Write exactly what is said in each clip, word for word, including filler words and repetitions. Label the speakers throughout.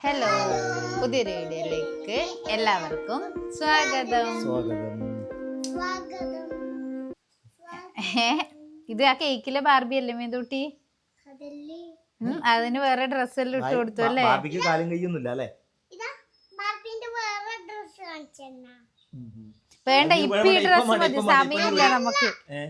Speaker 1: Hello, പുതിയൊരു വീഡിയോയിലേക്ക് എല്ലാവർക്കും സ്വാഗതം. ഇത് ആ കേക്കിലെ ബാർബി അല്ലേ മേതൂട്ടി? അതിന് വേറെ ഡ്രസ് എല്ലാം ഇട്ട് കൊടുത്തു അല്ലേ? വേണ്ട, ഇപ്പൊ ഈ ഡ്രസ് മതി, സമയമില്ല നമുക്ക്.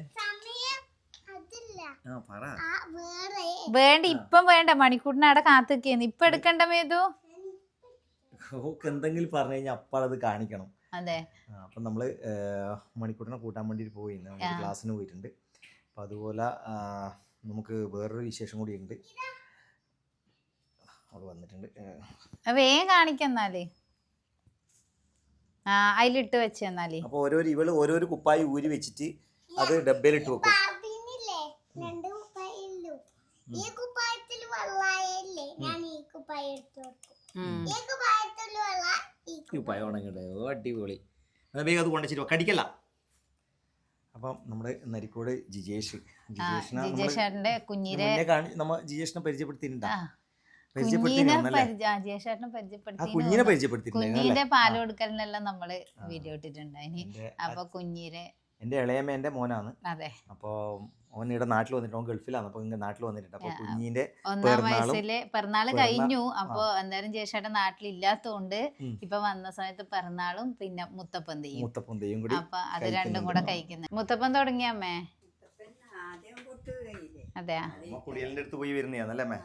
Speaker 1: വേണ്ട, ഇപ്പം വേണ്ട, മണിക്കൂറിന് അവിടെ കാത്തിക്കുന്നു. ഇപ്പൊ എടുക്കണ്ട മേതു.
Speaker 2: എന്തെങ്കിലും പറഞ്ഞു കഴിഞ്ഞാൽ അപ്പാളത് കാണിക്കണം.
Speaker 1: അതെ.
Speaker 2: അപ്പൊ നമ്മള് മണിക്കൂറിനെ കൂട്ടാൻ വേണ്ടിട്ട് പോയി, ക്ലാസ്സിന് പോയിട്ടുണ്ട്. അപ്പൊ അതുപോലെ നമുക്ക് വേറൊരു വിശേഷം കൂടി ഉണ്ട്. അവിടെ വന്നിട്ടുണ്ട്,
Speaker 1: വേഗം കാണിക്കെന്നാല്. ആ, അതിലിട്ട് വെച്ചെന്നാല്.
Speaker 2: അപ്പൊ ഓരോരു ഇവള് ഓരോരു കുപ്പായി ഊരി വെച്ചിട്ട് അത് ഡബ്ബയിലിട്ട് വെക്കും.
Speaker 3: ഈ കുപ്പായത്തിൽ വെള്ളായല്ലേ, ഞാൻ ഈ കുപ്പായ എടുത്തു കൊടുക്കും. ഈ കുപ്പായത്തിൽ വെള്ള ഈ
Speaker 2: കുപ്പായ ഉണങ്ങട്ടെ. ഓ അടിപൊളി. വേഗം അത് കൊണ്ടുവച്ചിട്ട് കടിക്കല്ല. അപ്പം നമ്മുടെ നരിക്കോട് ജിജേഷ്
Speaker 1: ജിജേഷേട്ടന്റെ കുഞ്ഞിനെ
Speaker 2: നമ്മ ജിജേഷിനെ പരിചയപ്പെടുത്തിയിട്ടുണ്ടാ?
Speaker 1: കുഞ്ഞിനെ പരിചയപ്പെടുത്തിയിട്ടുണ്ടായി. പാല് കൊടുക്കലിനെല്ലാം നമ്മള് വീഡിയോ ഇട്ടിട്ടുണ്ടായിന്. അപ്പൊ കുഞ്ഞിനെ
Speaker 2: എന്റെ ഇളയമ്മേന്റെ മോനാണ്.
Speaker 1: അതെ.
Speaker 2: അപ്പൊ ഓൻ ഇവിടെ നാട്ടിൽ വന്നിട്ട്, ഓൻ ഗൾഫിലാണ്. അപ്പൊ ഇങ്ങനെ നാട്ടിൽ വന്നിട്ടുണ്ട്. അപ്പൊ കുഞ്ഞിന്റെ
Speaker 1: ഒന്നാം വയസ്സില് പിറന്നാള് കഴിഞ്ഞു. അപ്പൊ എന്തായാലും ജേഷേട്ടൻ നാട്ടിലില്ലാത്തോണ്ട് ഇപ്പൊ വന്ന സമയത്ത് പിറന്നാളും പിന്നെ മുത്തപ്പന്തയും
Speaker 2: മുത്തപ്പന്തയും കൂടി,
Speaker 1: അപ്പൊ അത് രണ്ടും കൂടെ കഴിക്കുന്നത്. മുത്തപ്പൻ തുടങ്ങിയമ്മേ? അതെയാ,
Speaker 2: കുടിയലിന്റെ അടുത്ത് പോയി വരുന്നതാണല്ലേ അമ്മേ?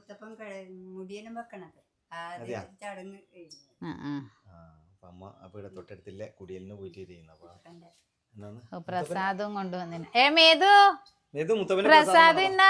Speaker 2: അമ്മ അപ്പൊ ഇവിടെ തൊട്ടടുത്തില്ല കുടിയലിന് പോയിട്ട് ചെയ്യുന്ന
Speaker 1: പ്രസാദവും കൊണ്ടുവന്നിന്. ഏ മേതു,
Speaker 2: മുത്തപ്പന്റെ
Speaker 1: പ്രസാദ് ഇന്നാ,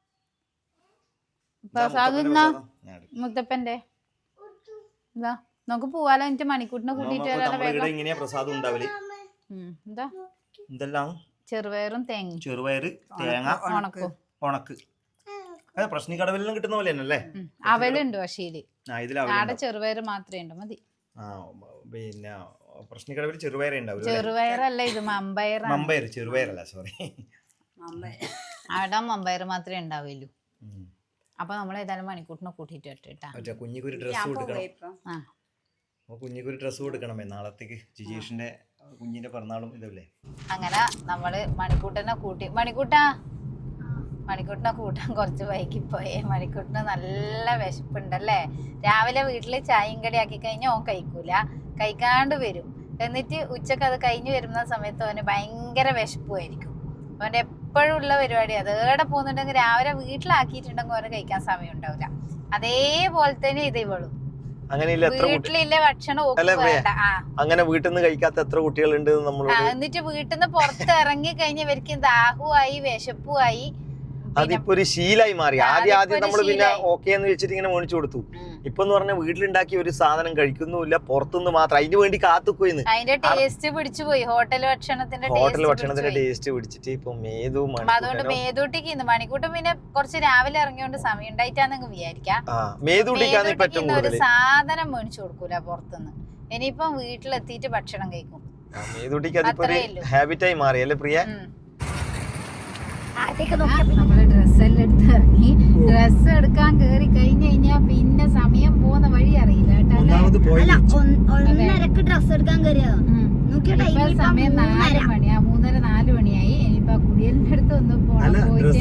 Speaker 1: പ്രസാദ് ഇന്നാ മുത്തപ്പന്റെ. എന്താ നമുക്ക് പോവാലോ, എനിക്ക് മണിക്കൂട്ടിനെ കൂട്ടിട്ട്
Speaker 2: ഇങ്ങനെയാ പ്രസാദം ഉണ്ടാവല്.
Speaker 1: എന്താ
Speaker 2: എന്തെല്ലാം?
Speaker 1: ചെറുപയറും തേങ്ങ,
Speaker 2: ചെറുപയറ്, തേങ്ങ, ഉണക്കും. ഉണക്ക് പ്രശ്നിക്കടവിലും കിട്ടുന്ന പോലെ തന്നെ അല്ലേ?
Speaker 1: അവലുണ്ട് പക്ഷേ ആടെ ചെറുപയറ് മാത്രമേ ഉണ്ട്, മതി.
Speaker 2: പിന്നെ പ്രശ്നിക്കടവിൽ ചെറുപയറേ ഉണ്ടാവും.
Speaker 1: ചെറുപയറല്ല, ഇത് മമ്പയർ.
Speaker 2: മമ്പയർ, ചെറുപയറല്ല, സോറി.
Speaker 1: അവിടെ മമ്പയർ മാത്രമേ ഉണ്ടാവുള്ളൂ. അപ്പൊ നമ്മൾ ഏതായാലും മണിക്കൂട്ടിനെ കൂട്ടിട്ട് ഇട്ടാ
Speaker 2: കുഞ്ഞിക്കൊരു ഡ്രസ് കൊടുക്കണം. കുഞ്ഞിക്കൊരു ഡ്രസ് കൊടുക്കണമേ നാളത്തേക്ക്. ജിജേഷിന്റെ കുഞ്ഞിന്റെ പിറന്നാളും ഇതല്ലേ.
Speaker 1: അങ്ങനെ നമ്മള് മണിക്കൂട്ടനെ കൂട്ടി. മണിക്കൂട്ടാ മണിക്കൂട്ടിനെ കൂട്ടാൻ കുറച്ച് വൈകി പോയേ. മണിക്കൂട്ടിന് നല്ല വിശപ്പുണ്ടല്ലേ. രാവിലെ വീട്ടില് ചായയും കടി ആക്കി കഴിഞ്ഞാൽ ഓൻ കഴിക്കൂല, കഴിക്കാണ്ട് വരും. എന്നിട്ട് ഉച്ചക്ക് അത് കഴിഞ്ഞ് വരുന്ന സമയത്ത് അവന് ഭയങ്കര വിശപ്പുമായിരിക്കും. അവൻ്റെ എപ്പോഴും ഉള്ള പരിപാടി അത്. ഏടെ പോകുന്നുണ്ടെങ്കിൽ രാവിലെ വീട്ടിലാക്കിയിട്ടുണ്ടെങ്കിൽ അവന് കഴിക്കാൻ സമയം ഉണ്ടാവില്ല. അതേപോലെ തന്നെ ഇത് ഇവളും വീട്ടിലില്ല ഭക്ഷണം
Speaker 2: അങ്ങനെ വീട്ടിൽ നിന്ന് കഴിക്കാത്ത എത്ര കുട്ടികളുണ്ട്.
Speaker 1: എന്നിട്ട് വീട്ടിൽ നിന്ന് പുറത്ത് ഇറങ്ങി കഴിഞ്ഞ ഇവർക്ക് ദാഹുമായി വിശപ്പുമായി.
Speaker 2: അതിപ്പോ ഒരു ശീലായി മാറി. ആദ്യം ആദ്യം നമ്മൾ പിന്നെ ഓക്കെ എന്ന് വെച്ചിട്ട് ഇങ്ങനെ മേടിച്ചു കൊടുത്തു. ഇപ്പൊ എന്ന് പറഞ്ഞാൽ വീട്ടിലുണ്ടാക്കിയ ഒരു സാധനം കഴിക്കുന്നുമില്ല, പുറത്തുനിന്ന് മാത്രം അതിന് വേണ്ടി കാത്തുക്കുന്ന്.
Speaker 1: അതിന്റെ ടേസ്റ്റ് പിടിച്ചു പോയി. ഹോട്ടൽ ഭക്ഷണത്തിന്റെ
Speaker 2: ഹോട്ടൽ ഭക്ഷണത്തിന്റെ ടേസ്റ്റ് പിടിച്ചിട്ട് ഇപ്പൊ മേതു.
Speaker 1: അതുകൊണ്ട് മേതൂട്ടിക്ക് ഇന്ന് മണിക്കൂട്ടും പിന്നെ കുറച്ച് രാവിലെ ഇറങ്ങിയോണ്ട് സമയം ഉണ്ടായിട്ടാന്ന് വിചാരിക്കാം.
Speaker 2: മേതൂട്ടിക്ക്
Speaker 1: ഒരു സാധനം മേടിച്ചു കൊടുക്കൂല പുറത്തുനിന്ന്. ഇനിയിപ്പം വീട്ടിലെത്തിയിട്ട് ഭക്ഷണം കഴിക്കും.
Speaker 2: മേതൂട്ടിക്ക് അതിപ്പോ ഹാബിറ്റായി മാറി അല്ലേ പ്രിയ?
Speaker 1: നമ്മള് ഡ്രസ്സെല്ലാം എടുത്ത് ഇറങ്ങി. ഡ്രസ്സ് എടുക്കാൻ കേറി കഴിഞ്ഞു കഴിഞ്ഞാ പിന്നെ സമയം പോകുന്ന വഴി അറിയില്ല കേട്ടോ. സമയം നാല് മണിയാ, മൂന്നര നാല് മണിയായി. ഇനിയിപ്പൊ കുടിയലിന്റെ അടുത്ത് ഒന്ന് പോണം.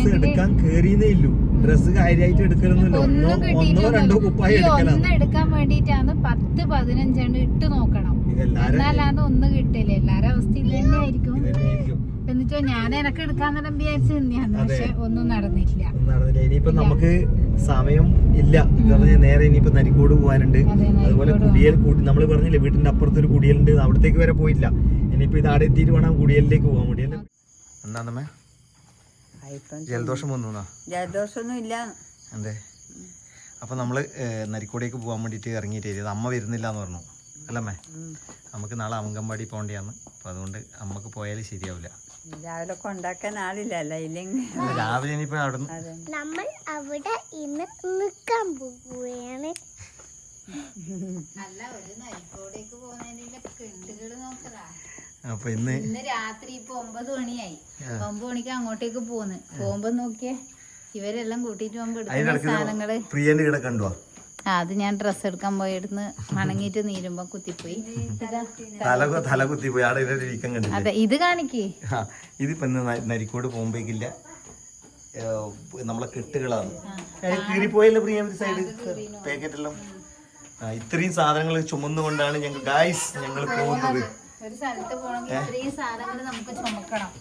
Speaker 1: ഒന്നും കിട്ടിയിട്ടൊന്നും ഒന്ന് എടുക്കാൻ വേണ്ടിട്ടാണ് പത്ത് പതിനഞ്ചെണ്ണം ഇട്ട് നോക്കണം. എന്നാലാന്ന് ഒന്ന് കിട്ടില്ല. എല്ലാരും അവസ്ഥ ഇത് തന്നെ ആയിരിക്കും. എന്നിട്ടോ ഞാൻ എനക്ക് എടുക്കാൻ നേരം വിചാരിച്ചു തന്നെയാണ്, പക്ഷെ ഒന്നും നടന്നില്ല.
Speaker 2: ഇനിയിപ്പോ നമുക്ക് സമയം ഇല്ല. നേരെ ഇനിയിപ്പോ നരിക്കോട് പോകാനുണ്ട്. അതുപോലെ കുടിയൽ കൂടി നമ്മൾ പറഞ്ഞില്ലേ വീട്ടിന്റെ അപ്പുറത്തൊരു കുടിയലുണ്ട്, അവിടത്തേക്ക് വരെ പോയില്ല. ഇനിയിപ്പോ ഇത് ആടെ എത്തിയിട്ട് വേണം കുടിയലിലേക്ക് പോകാൻ. കുടിയൽ എന്താന്നമ്മേ ജലദോഷം വന്നു?
Speaker 4: ജലദോഷമൊന്നും ഇല്ല.
Speaker 2: അതെ. അപ്പൊ നമ്മള് നരിക്കോടേക്ക് പോകാൻ വേണ്ടിട്ട് ഇറങ്ങിയിട്ട് അമ്മ വരുന്നില്ല എന്ന് പറഞ്ഞു അല്ലമ്മേ. നമുക്ക് നാളെ അങ്കൻവാടി പോകേണ്ടിയാണ്. അപ്പൊ അതുകൊണ്ട് അമ്മക്ക് പോയാലും ശരിയാവില്ല.
Speaker 4: രാവിലെ കൊണ്ടാക്കാൻ ആളില്ലല്ലോ. ഇല്ലെങ്കിൽ
Speaker 2: രാവിലെ ഇനിയിപ്പോ അവിടെ
Speaker 3: നമ്മൾ അവിടെ ഇന്ന് നിൽക്കാൻ പോവുകയാണ്.
Speaker 1: അല്ല, ഒരു നരിക്കോടേക്ക് പോകുന്നതിന്റെ കെട്ടുകള് നോക്കലാ.
Speaker 2: അപ്പൊ ഇന്ന്
Speaker 1: ഇന്ന് രാത്രി ഇപ്പൊ ഒമ്പത് മണിയായി. ഒമ്പത് മണിക്ക് അങ്ങോട്ടേക്ക് പോന്ന് പോകുമ്പോ നോക്കിയേ ഇവരെല്ലാം കൂട്ടിട്ട് പോകുമ്പോ എടുക്കുന്ന സാധനങ്ങള്
Speaker 2: പ്രിയന്റെ ഇവിടെ കണ്ടുവാ.
Speaker 1: ആ അത് ഞാൻ ഡ്രസ്സ് എടുക്കാൻ പോയിടുന്ന് മണങ്ങിട്ട് നീരുമ്പോ കുത്തിപ്പോയി.
Speaker 2: തല തല കുത്തി പോയി ആടെ ഒരു വീക്കം കണ്ടില്ല.
Speaker 1: അതെ ഇത് കാണിക്കേ.
Speaker 2: ഇതിപ്പോ ഇന്ന് നരിക്കോട് പോകുമ്പോഴേക്കില്ല നമ്മളെ കെട്ടുകളാണ് കീറിപ്പോയല്ലോ പ്രിയ ഒരു സൈഡ് പാക്കറ്റെല്ലാം. ഇത്രയും സാധനങ്ങൾ ചുമന്നുകൊണ്ടാണ് ഞങ്ങൾ ഗായ്സ് ഞങ്ങൾ പോകുന്നത്.
Speaker 1: ഒരു സ്ഥലത്ത് പോകണമെങ്കിൽ ഇത്രയും സാധനങ്ങൾ നമുക്ക് ചുമക്കണം.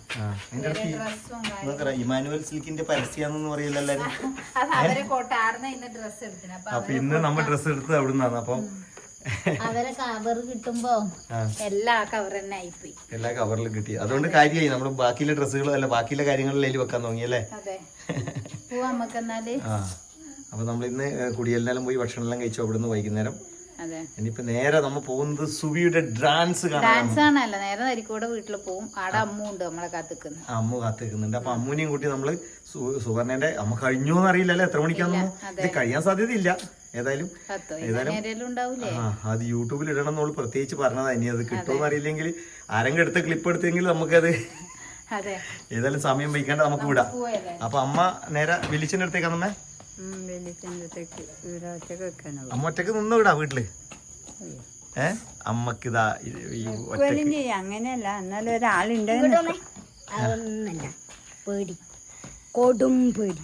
Speaker 2: ഇമാനുവൽ സിൽക്കിന്റെ പരസ്യാന്ന് പറയില്ല എല്ലാരും.
Speaker 1: അപ്പൊ
Speaker 2: ഇന്ന് നമ്മ ഡ്രസ്സ് എടുത്തത് അവിടുന്നാണ്. അപ്പം
Speaker 1: അവരെ കവർ കിട്ടുമ്പോ എല്ലാ കവർ തന്നെ ആയിപ്പോയി.
Speaker 2: എല്ലാ കവറിലും കിട്ടി. അതുകൊണ്ട് കാര്യമായി നമ്മള് ബാക്കിയുള്ള ഡ്രസ്സുകളും അല്ല ബാക്കിയുള്ള കാര്യങ്ങളിലും വെക്കാൻ തുടങ്ങിയല്ലേ.
Speaker 1: അതെ പോവാ നമുക്ക് എന്നാല്.
Speaker 2: ആ അപ്പൊ നമ്മൾ ഇന്ന് കുടിയെല്ലാം പോയി ഭക്ഷണം എല്ലാം കഴിച്ചു അവിടുന്ന് വൈകുന്നേരം.
Speaker 1: അതെ
Speaker 2: ഇനിയിപ്പോ നേരെ നമ്മ പോകുന്നത് സുവിയുടെ ഡാൻസ് കാണാൻ.
Speaker 1: ഡാൻസ് കാണാനല്ല, നേരെ നരിക്കോട് വീട്ടിൽ പോകും. അവിടെ അമ്മ ഉണ്ട് നമ്മളെ കാത്തിക്കുന്നു.
Speaker 2: അമ്മ കാത്തിക്കുന്നുണ്ട്. അപ്പൊ അമ്മൂനെയും കൂട്ടി നമ്മള് സുവർണന്റെ അമ്മ കഴിഞ്ഞോന്ന് അറിയില്ലല്ലോ എത്ര മണിക്കാണെന്നോ. ഇത് കഴിയാൻ സാധ്യതയില്ല. ഏതായാലും ആ അത് യൂട്യൂബിൽ ഇടണം എന്നോള് പ്രത്യേകിച്ച് പറഞ്ഞതാ. ഇനി അത് കിട്ടുമെന്ന് അറിയില്ലെങ്കിൽ ആരെങ്കിലും എടുത്ത ക്ലിപ്പ് എടുത്തെങ്കിൽ നമുക്കത് ഏതായാലും സമയം വയ്ക്കാണ്ട് നമുക്ക് വിടാം. അപ്പൊ അമ്മ നേരെ വെളിച്ചന്റെ അടുത്തേക്കാന്നമ്മേ. അമ്മ ഒറ്റക്ക് നിന്ന് വിടാ വീട്ടില്. ഏ അമ്മക്ക് ഇതാ
Speaker 4: അങ്ങനെയല്ല, എന്നാലും ഒരാളുണ്ട്.
Speaker 3: അതൊന്നല്ല പേടി, കൊടും പേടി.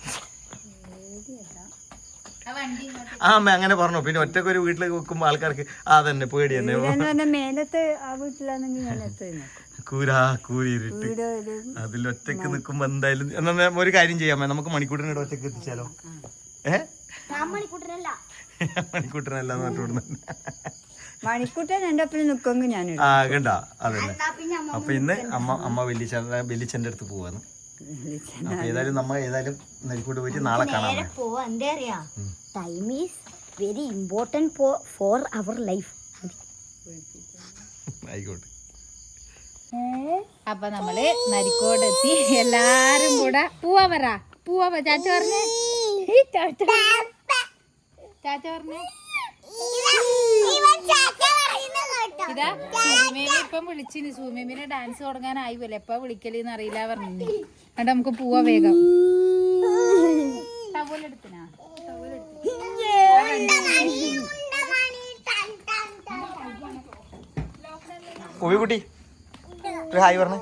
Speaker 2: ആ അമ്മ അങ്ങനെ പറഞ്ഞു. പിന്നെ ഒറ്റക്ക് ഒരു വീട്ടിൽ വെക്കുമ്പോ ആൾക്കാർക്ക് ആ തന്നെ പേടി തന്നെ.
Speaker 4: മേലത്ത് ആ വീട്ടിലാണെങ്കിൽ മേലത്ത്
Speaker 2: കൂരാ കൂരിട്ട് അതിൽ ഒറ്റക്ക് നിക്കുമ്പോ എന്തായാലും എന്നാ ഒരു കാര്യം ചെയ്യാമേ, നമുക്ക് മണിക്കൂട്ടിനോട് ഒറ്റക്ക് എത്തിച്ചാലോ. ഏഹ് മണിക്കൂട്ടനല്ല
Speaker 4: മണിക്കൂട്ടൻ എന്റെ ഒപ്പം നിക്കുമെങ്കിൽ ഞാൻ
Speaker 2: ആ കണ്ട അതന്നെ. അപ്പൊ ഇന്ന് അമ്മ അമ്മ വെല്ലിച്ച വെല്ലിച്ചന്റെ അടുത്ത് പോവാന്ന്. അപ്പൊ ഏതായാലും നമ്മ ഏതായാലും നരിക്കൂട്ട് പോയിട്ട് നാളെ കാണാം.
Speaker 3: എന്താ അറിയാ, time is very important for our life.
Speaker 2: ആയിക്കോട്ടെ.
Speaker 1: അപ്പൊ നമ്മള് നരിക്കോട് എത്തി. എല്ലാരും കൂടെ പൂവാ പറ പൂവാ ചാച്ച പറഞ്ഞേ ചാച്ച പറഞ്ഞേ. ഇതാ സൂമേമി ഇപ്പം വിളിച്ചിന്. സൂമേമിനെ ഡാൻസ് തുടങ്ങാനായി പോലെ എപ്പ വിളിക്കലെന്ന് അറിയില്ല പറഞ്ഞു. എന്നിട്ട് നമുക്ക് പോവാ വേഗം. ടവലെടുത്തിനാ
Speaker 2: കുട്ടി ഹായ് പറഞ്ഞേ.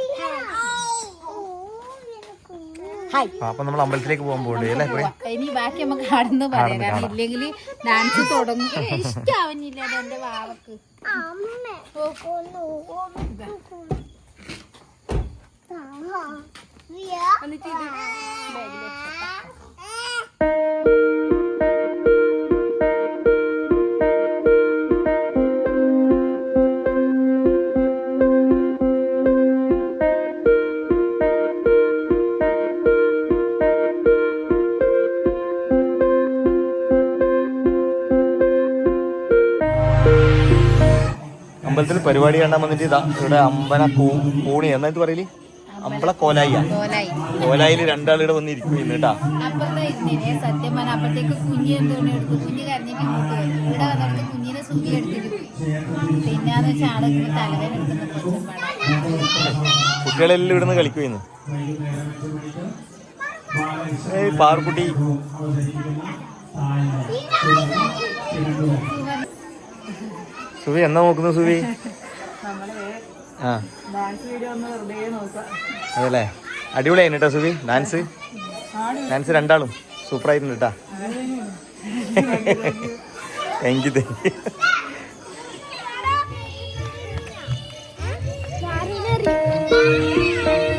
Speaker 2: അപ്പൊ നമ്മൾ അമ്പലത്തിലേക്ക് പോകാൻ പോകണ്ടേ അല്ലേ.
Speaker 1: ഇനി ബാക്കി നമുക്ക് കടന്ന് പറയാം. കാരണം ഇല്ലെങ്കിൽ ഡാൻസ് തുടങ്ങും. ഇഷ്ടാവുന്നില്ല എന്റെ വാവക്ക്. എന്നിട്ട് ഇത് ബാഗില്
Speaker 2: അമ്പലത്തിൽ പരിപാടി കാണാൻ വന്നിട്ട് ഇതാ ഇവിടെ അമ്പല പൂണി എന്നാ ഇത് പറയല് അമ്പള കോലായിയാ. കോലായില് രണ്ടാളിവിടെ വന്നിരിക്കും കേട്ടാ.
Speaker 1: സത്യം പറഞ്ഞ അപ്പഴത്തേക്ക് കുഞ്ഞ് എന്തോണി എടുത്തു. കുഞ്ഞ് കരഞ്ഞിട്ട് ഇങ്ങോട്ട് വരും. ഇവിടെ വന്നിട്ട് കുഞ്ഞിനെ സുഖി എടുത്തിട്ട് പോയി. പിന്നാന്ന് വെച്ചാൽ ആളെ തലവേന എടുക്കുന്ന
Speaker 2: കുട്ടികളെല്ലാം ഇവിടുന്ന് കളിക്കുന്നു. ഏയ് പാർക്കുട്ടി സുവി എന്നാ നോക്കുന്നു സുവി? ആ അതല്ലേ അടിപൊളിയായിരുന്നു കേട്ടോ സുവി. ഡാൻസ് ഡാൻസ് രണ്ടാളും സൂപ്പറായിരുന്നു കേട്ടാ. Thank you thank you.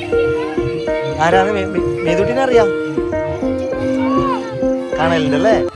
Speaker 2: ആരാണ് മേതുട്ടിനെ അറിയാം? കാണലുണ്ടല്ലേ.